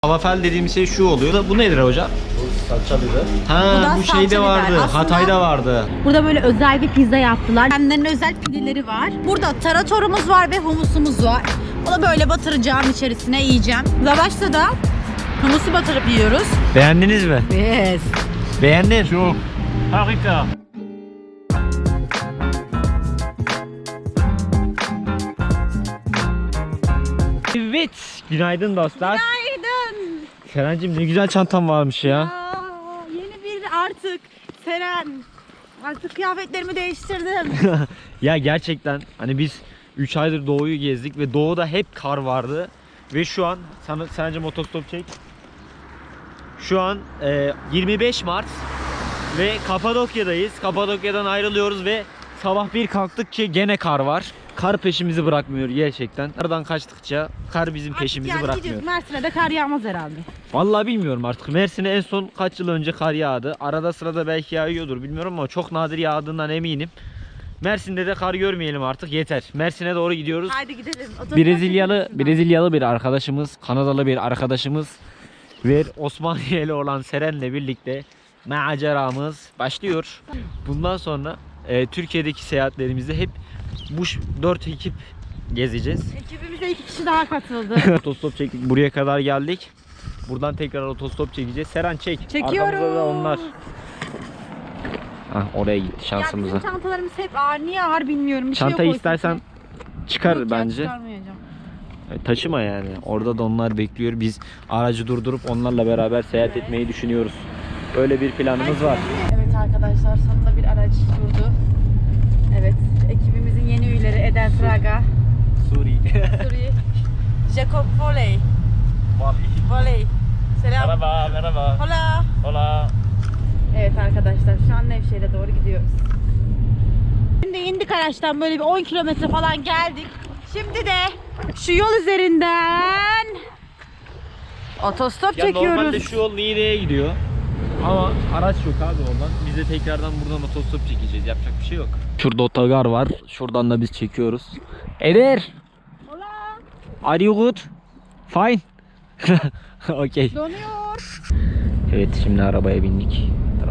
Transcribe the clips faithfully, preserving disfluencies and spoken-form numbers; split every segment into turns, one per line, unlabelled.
Falafel dediğimiz şey şu oluyor. Bu nedir hocam?
Bu salça biber.
Ha, bu, bu şeyde vardı. Aslında Hatay'da vardı.
Burada böyle özel bir pizza yaptılar. Kendilerinin özel pideleri var. Burada taratorumuz var ve humusumuz var. Onu böyle batıracağım, içerisine yiyeceğim. Lavaşta da humusu batırıp yiyoruz.
Beğendiniz mi?
Yes.
Beğendim.
Çok. Harika.
Evet. Günaydın dostlar.
Günaydın.
Serencim ne güzel çantam varmış ya.
Aa, yeni bir artık. Seren. Artık kıyafetlerimi değiştirdim.
Ya gerçekten hani biz üç aydır doğuyu gezdik ve doğuda hep kar vardı. Ve şu an sana Serencim otostop çek. Şu an e, yirmi beş Mart ve Kapadokya'dayız. Kapadokya'dan ayrılıyoruz ve sabah bir kalktık ki gene kar var. Kar peşimizi bırakmıyor gerçekten. Kardan kaçtıkça kar bizim peşimizi
yani
bırakmıyor.
gidiyoruz. Mersin'e de kar yağmaz herhalde.
Vallahi bilmiyorum artık. Mersin'e en son kaç yıl önce kar yağdı. Arada sırada belki yağıyordur bilmiyorum ama çok nadir yağdığından eminim. Mersin'de de kar görmeyelim artık, yeter. Mersin'e doğru gidiyoruz.
Haydi gidelim. Otostop
Brezilyalı
çekiyorsun.
Brezilyalı bir arkadaşımız, Kanadalı bir arkadaşımız ve Osmaniyeli olan Seren'le birlikte maceramız başlıyor. Bundan sonra e, Türkiye'deki seyahatlerimizde hep bu dört ekip gezeceğiz.
Ekibimize iki kişi daha katıldı.
Otostop çektik, buraya kadar geldik. Buradan tekrar otostop çekeceğiz. Seren çek.
Çekiyorum.
Arkamızda da onlar. Hah, oraya gitti şansımıza.
Ya bizim çantalarımız hep ağır. Niye ağır bilmiyorum. Bir
Çantayı
şey yok
istersen çıkar
Yok ya,
bence.
çıkarmayacağım.
E, Taşıma yani. Orada da onlar bekliyor. Biz aracı durdurup onlarla beraber seyahat etmeyi düşünüyoruz. Öyle bir planımız var.
Evet arkadaşlar, sonunda bir araç durdu. Evet, ekibimizin yeni üyeleri Eder Fraga,
Suri.
Suri, Jacob Voley. Voley. Selam.
Merhaba, merhaba.
Hola.
Hola.
Evet arkadaşlar, şu an Nevşehir'e doğru gidiyoruz. Şimdi indik araçtan, böyle bir on kilometre falan geldik. Şimdi de şu yol üzerinden otostop
Ya
çekiyoruz.
normalde şu yol Niğde'ye gidiyor. Ama araç yok abi oradan. Biz de tekrardan buradan otostop çekeceğiz. Yapacak bir şey yok. Şurada otogar var. Şuradan da biz çekiyoruz. Eder.
Hola.
Are you good? Fine. Okay.
Donuyor.
Evet, şimdi arabaya bindik.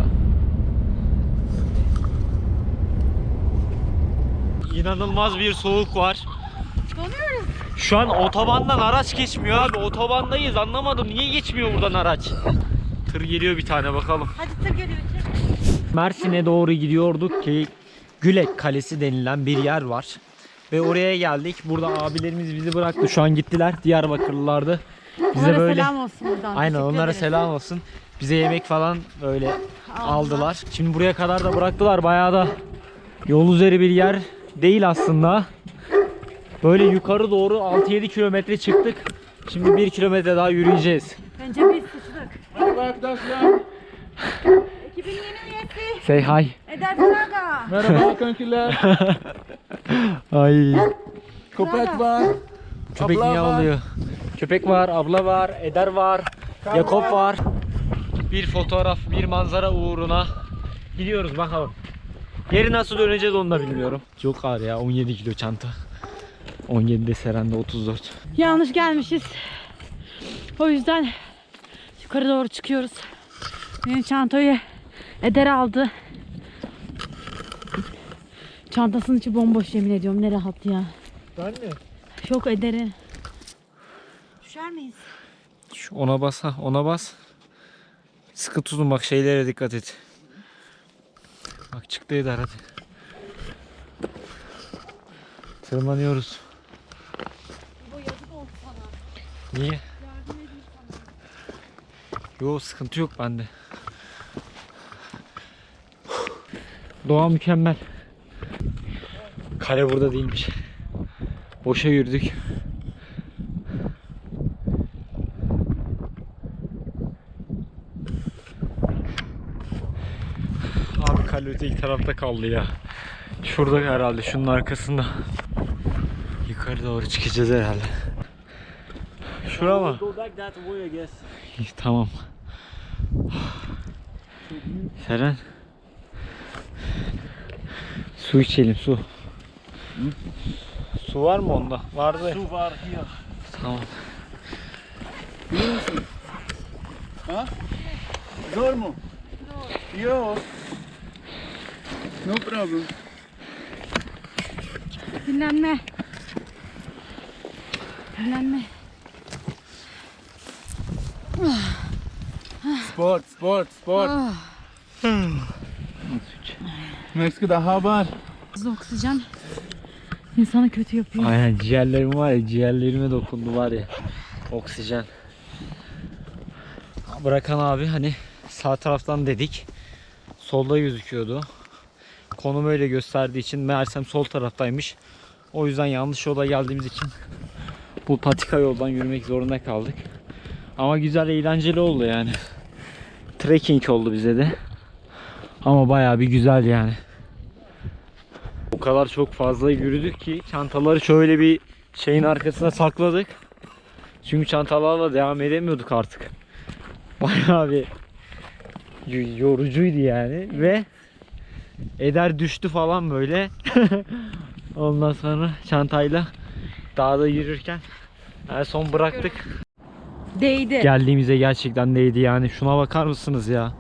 İnanılmaz bir soğuk var.
Donuyoruz.
Şu an otobandan araç geçmiyor abi. Otobandayız. Anlamadım. Niye geçmiyor buradan araç? Tır geliyor bir tane, bakalım.
Hadi tır geliyor.
Mersin'e doğru gidiyorduk ki Gülek Kalesi denilen bir yer var. Ve oraya geldik. Burada abilerimiz bizi bıraktı. Şu an gittiler. Diyarbakırlılardı. Bize
Onlara
böyle
selam olsun buradan.
aynen
Teşekkür
onlara
ederiz.
selam olsun. Bize yemek falan böyle aldılar. Şimdi buraya kadar da bıraktılar. Bayağı da yol üzeri bir yer değil aslında. Böyle yukarı doğru altı yedi kilometre çıktık. Şimdi bir kilometre daha yürüyeceğiz.
Bence biz sıçtık.
Merhaba arkadaşlar.
Ekibin yeni üyesi
Say hi.
Eder Fraga.
Merhaba kankiler.
Ay.
Köpek var.
Köpek
Abla
niye
var.
oluyor? Köpek var, abla var, Eder var, Yakup var. Bir fotoğraf, bir manzara uğruna gidiyoruz bakalım. Geri nasıl döneceğiz onu da bilmiyorum. Çok ağır ya, on yedi kilo çanta. on yedide Seren'de otuz dört.
Yanlış gelmişiz. O yüzden yukarı doğru çıkıyoruz. Benim çantayı Eder aldı. Çantasının içi bomboş, yemin ediyorum. Ne rahat ya.
Ben mi?
Yok Eder'in. Düşer miyiz?
Şu ona bas, ha ona bas. Sıkı tutun bak, şeylere dikkat et. Bak çıktı Eder, hadi. Tırmanıyoruz.
Bu yazık oldu sana.
Niye?
Yardım edeyim sana.
Yo, sıkıntı yok bende. Doğa mükemmel. Kale burada değilmiş. Boşa yürüdük. Abi kale öteki tarafta kaldı ya. Şurada herhalde, şunun arkasında. Yukarı doğru çıkacağız herhalde. Şura mı?
Go back that way I guess.
İyi, tamam. Seren. Su içelim, su. Su var mı onda? Vardı.
Su var here.
Tamam.
Ha? Zor mu? Yok. No problem.
Dinlenme. Dinlenme.
Sport, sport, sport.
Ah.
Meksika'da haber.
Hızlı oksijen insanı kötü yapıyor.
Aynen, ciğerlerim var ya, ciğerlerime dokundu var ya. Oksijen. Bırakan abi hani sağ taraftan dedik. Solda gözüküyordu. Konum öyle gösterdiği için meğersem sol taraftaymış. O yüzden yanlış yola geldiğimiz için bu patika yoldan yürümek zorunda kaldık. Ama güzel, eğlenceli oldu yani. Trekking oldu bize de. Ama bayağı bir güzel yani. O kadar çok fazla yürüdük ki çantaları şöyle bir şeyin arkasına sakladık. Çünkü çantalarla devam edemiyorduk artık. Bayağı bir yorucuydu yani ve Eder düştü falan böyle. Ondan sonra çantayla dağda yürürken en son bıraktık.
Değdi.
Geldiğimize gerçekten değdi yani. Şuna bakar mısınız ya?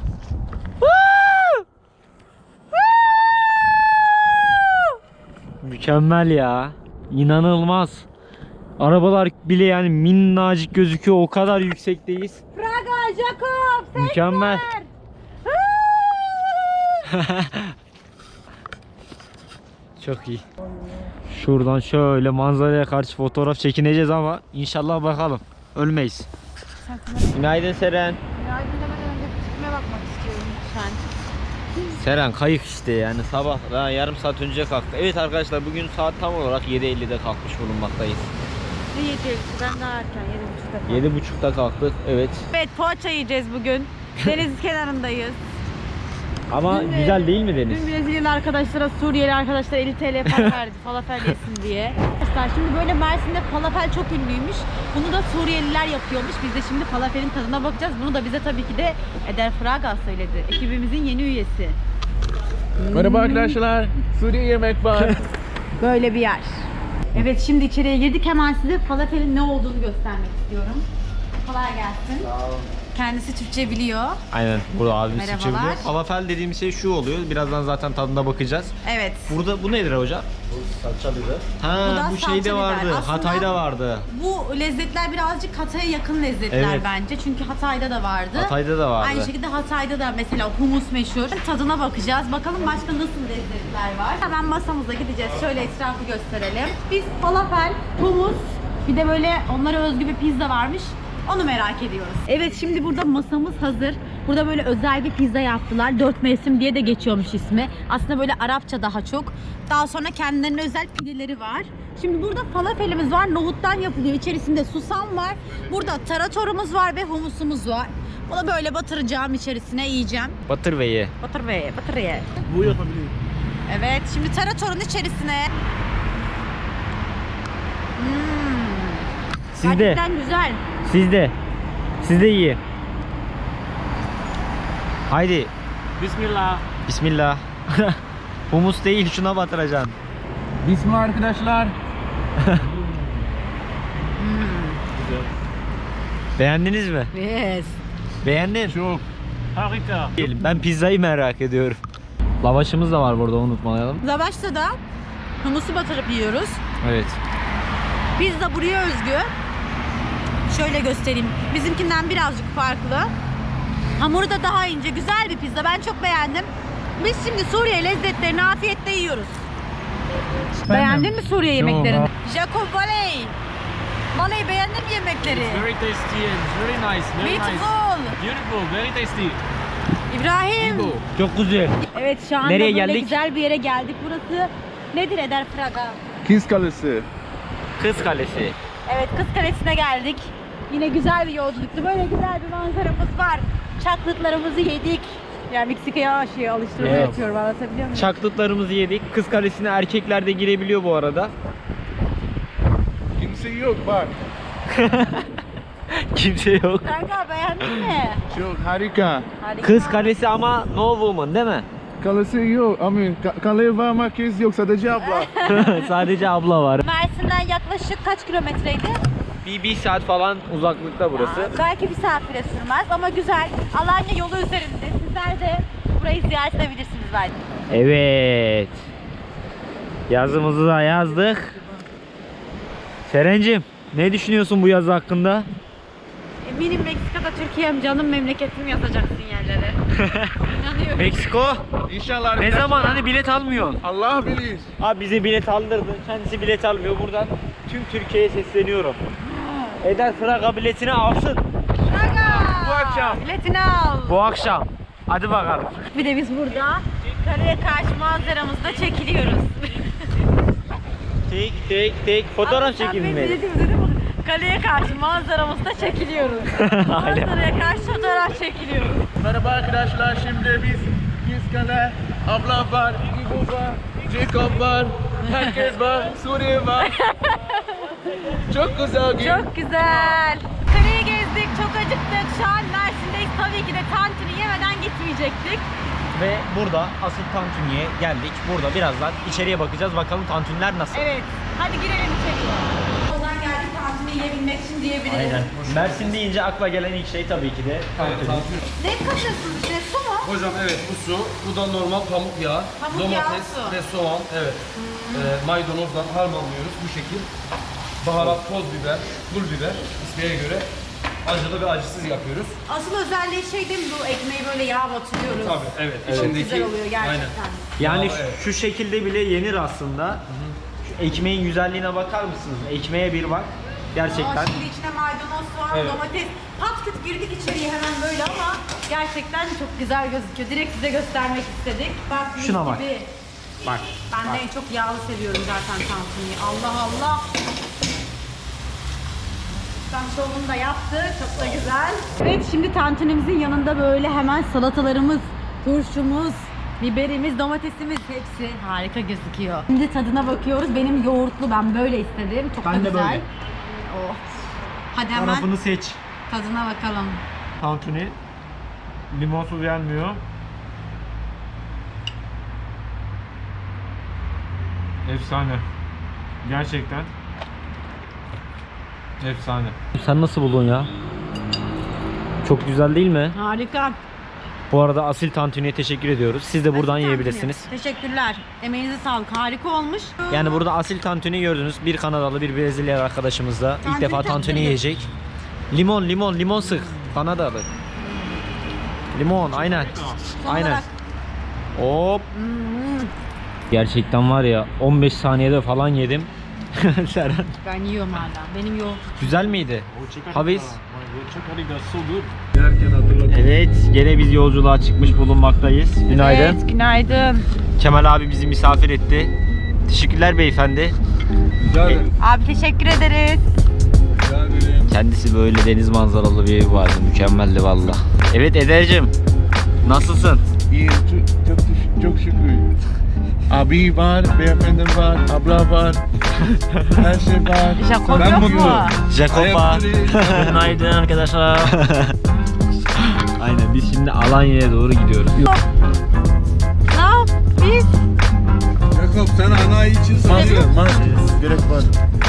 Mükemmel ya. İnanılmaz. Arabalar bile yani minnacık gözüküyor. O kadar yüksekteyiz.
Praga, Jakob,
Mükemmel. Çok iyi. Şuradan şöyle manzaraya karşı fotoğraf çekineceğiz ama inşallah bakalım. Ölmeyiz. Günaydın Seren.
Yardım önce çıkmaya bakmak istiyorum lütfen.
Seren kayık işte yani, sabah daha yarım saat önce kalktı. Evet arkadaşlar, bugün saat tam olarak yedi ellide kalkmış bulunmaktayız.
Ne yedi? Ben daha erken yedi buçukta.
yedi buçukta kalktık, evet.
Evet, poğaça yiyeceğiz bugün. Deniz kenarındayız.
Ama
Dün,
güzel değil mi deniz?
Dün Brezilyalı arkadaşlara, Suriyeli arkadaşlar elli TL para verdi falafel yesin diye. Arkadaşlar şimdi böyle Mersin'de falafel çok ünlüymüş. Bunu da Suriyeliler yapıyormuş. Biz de şimdi falafelin tadına bakacağız. Bunu da bize tabii ki de Eder Fraga söyledi. Ekibimizin yeni üyesi.
Merhaba arkadaşlar. Suriye yemek var.
Böyle bir yer. Evet, şimdi içeriye girdik. Hemen size falafelin ne olduğunu göstermek istiyorum. Kolay gelsin.
Sağ olun.
Kendisi Türkçe biliyor.
Aynen, burada abimiz
Merhabalar.
Türkçe biliyor. Falafel dediğimiz şey şu oluyor. Birazdan zaten tadına bakacağız.
Evet.
Burada bu nedir hocam?
Bu salça biber.
Ha,
Bu da
bu
salça
şeyde
biber.
vardı.
Aslında-
Hatay'da vardı.
Bu lezzetler birazcık Hatay'a yakın lezzetler
Evet.
bence. Çünkü Hatay'da da vardı.
Hatay'da da vardı.
Aynı şekilde Hatay'da da mesela humus meşhur. Tadına bakacağız. Bakalım başka nasıl lezzetler var. Hemen masamıza gideceğiz. Şöyle etrafı gösterelim. Biz falafel, humus, bir de böyle onlara özgü bir pizza varmış. Onu merak ediyoruz. Evet, şimdi burada masamız hazır. Burada böyle özel bir pizza yaptılar. Dört mevsim diye de geçiyormuş ismi. Aslında böyle Arapça daha çok. Daha sonra kendilerine özel pideleri var. Şimdi burada falafelimiz var. Nohuttan yapılıyor. İçerisinde susam var. Burada taratorumuz var ve humusumuz var. Bunu böyle batıracağım, içerisine yiyeceğim.
Batır ve ye.
Batır ve batır ye.
Bu yapabilirim.
Evet, şimdi taratorun içerisine. Hmm.
Siz de.
Gerçekten güzel.
Siz de. Siz de iyi. Haydi.
Bismillah.
Bismillah. Humus değil, şuna batıracaksın.
Bismillah arkadaşlar.
Beğendiniz mi?
Yes.
Beğendin.
Çok. Harika.
Diyelim. Ben pizzayı merak ediyorum. Lavaşımız da var burada, unutmayalım.
Lavaşta da humusu batırıp yiyoruz.
Evet.
Pizza buraya özgü. Şöyle göstereyim. Bizimkinden birazcık farklı. Hamuru da daha ince. Güzel bir pizza. Ben çok beğendim. Biz şimdi Suriye lezzetlerini afiyetle yiyoruz. Beğendin mi Suriye
Çok.
yemeklerini? Jacob Valey. Valey, beğendin mi yemekleri?
Very tasty and very nice, very nice.
Beautiful.
Beautiful, very tasty.
İbrahim.
Ibo.
Çok güzel.
Evet, şu anda
Nereye
böyle
geldik?
güzel bir yere geldik. Burası nedir Eder Fraga?
Kız Kalesi.
Kız Kalesi.
Evet, Kız Kalesi'ne geldik. Yine güzel bir yolculuktu. Böyle güzel bir manzaramız var. Çaklıtlarımızı yedik. Yani Meksika'ya şey alıştırma
Evet.
yapıyorum, anlatabiliyor muyum?
Çaklıtlarımızı yedik. Kız Kalesi'ne erkekler de girebiliyor bu arada.
Kimse yok bak.
Kimse yok.
Kanka, beğendin mi?
Çok harika.
Harika.
Kız Kalesi ama no woman değil mi?
Kalesi yok. Amin. Ka- kale var ama kız yok. Sadece abla.
Sadece abla var.
Mersin'den yaklaşık kaç kilometreydi?
bir, bir saat falan uzaklıkta burası.
Belki bir saat bile sürmez ama güzel. Alanya yolu üzerinde. Sizler de burayı ziyaret edebilirsiniz belki.
Evet. Yazımızı da yazdık. Serencim, ne düşünüyorsun bu yazı hakkında?
Eminim Meksika'da Türkiye'm canım memleketim yazacaksın yerlere. İnanıyorum.
Meksiko?
İnşallah.
Ne zaman hani bilet almıyorsun?
Allah bilir.
Abi bize bilet aldırdı. Kendisi bilet almıyor. Buradan tüm Türkiye'ye sesleniyorum. Eder Fraga biletini alsın.
Fraga!
Bu akşam.
Biletini al.
Bu akşam. Hadi bakalım.
Bir de biz burada karaya karşı manzaramızda çekiliyoruz.
Tek tek tek fotoğraf çekilmeli.
Dedim dedim. Kaleye karşı manzaramızda çekiliyoruz.
Aynen.
Manzaraya karşı fotoğraf çekiliyoruz.
Merhaba arkadaşlar, şimdi biz biz kale, abla var, İbo var, Jacob var, herkes var, Suriye var. Çok güzel gün.
Çok güzel. Kaleyi gezdik, çok acıktık. Şu an Mersin'deyiz. Tabii ki de tantuni yemeden gitmeyecektik.
Ve burada asıl tantuniye geldik. Burada birazdan içeriye bakacağız. Bakalım tantuniler nasıl?
Evet. Hadi girelim içeriye. Oradan geldik tantuni yiyebilmek için diyebiliriz.
Aynen. Mersin deyince akla gelen ilk şey tabii ki de tantuni.
Ne katıyorsunuz içine? Su mu?
Hocam evet bu su, bu da normal pamuk yağı,
Pamuk
domates
yağı su.
ve soğan, evet. Ee, maydanozdan harmanlıyoruz bu şekil. Baharat, toz biber, pul biber isteğe göre acılı ve acısız yapıyoruz.
Asıl özelliği şey değil mi, bu ekmeği böyle yağ batırıyoruz.
Tabii evet.
Çok
içindeki-
güzel oluyor gerçekten.
Aynen.
Yani
Aa,
şu-
evet.
şu şekilde bile yenir aslında. Şu ekmeğin güzelliğine bakar mısınız? Ekmeğe bir bak. Gerçekten.
Aa, şimdi içine maydanoz, soğan,
Evet.
domates. Pat küt girdik içeriye hemen böyle ama gerçekten çok güzel gözüküyor. Direkt size göstermek istedik. Bak, mis
Şuna bak.
gibi.
Bak.
Ben de en çok yağlı seviyorum zaten tantuniyi. Allah Allah. Tam şovunu da yaptı. Çok da güzel. Evet, şimdi tantunimizin yanında böyle hemen salatalarımız, turşumuz, biberimiz, domatesimiz hepsi harika gözüküyor. Şimdi tadına bakıyoruz. Benim yoğurtlu, ben böyle istedim. Çok
Ben
da
de
güzel.
böyle.
Oh. Hadi hemen
Tarafını seç.
tadına bakalım.
Tantuni. Limonsuz yenmiyor. Efsane. Gerçekten. Efsane. Sen nasıl buldun ya? Çok güzel değil mi?
Harika.
Bu arada Asil Tantuni'ye teşekkür ediyoruz. Siz de buradan
Asil
yiyebilirsiniz.
tantuni. Teşekkürler. Emeğinize sağlık. Harika olmuş.
Yani burada Asil Tantuni gördünüz. Bir Kanadalı, bir Brezilyalı arkadaşımız da ilk
Tantuni
defa
tantuni.
tantuni yiyecek. Limon, limon, limon sık. Kanadalı. Limon, aynen.
Son
Aynen.
olarak-
Hop.
Hmm,
Gerçekten var ya on beş saniyede falan yedim. Serhan.
ben yiyorum hala. Benim yoğurt.
Güzel miydi? Haviz. Evet, gene biz yolculuğa çıkmış bulunmaktayız. Günaydın.
Evet, günaydın.
Kemal abi bizi misafir etti. Teşekkürler beyefendi.
Rica ederim.
Abi teşekkür ederiz.
Rica ederim.
Kendisi böyle deniz manzaralı bir evi vardı. Mükemmeldi valla. Evet Eder'cim. Nasılsın?
İyiyim, çok, çok, çok şükür. Abi var, beyefendi var, abla var. Her şey var.
Jacob
Ben
yok mu?
mutluyum.
Jacoba.
Günaydın arkadaşlar.
Aynen biz şimdi Alanya'ya doğru gidiyoruz.
Ne yap? Biz
Jacob, sen ana için sanıyorum. Gerek var.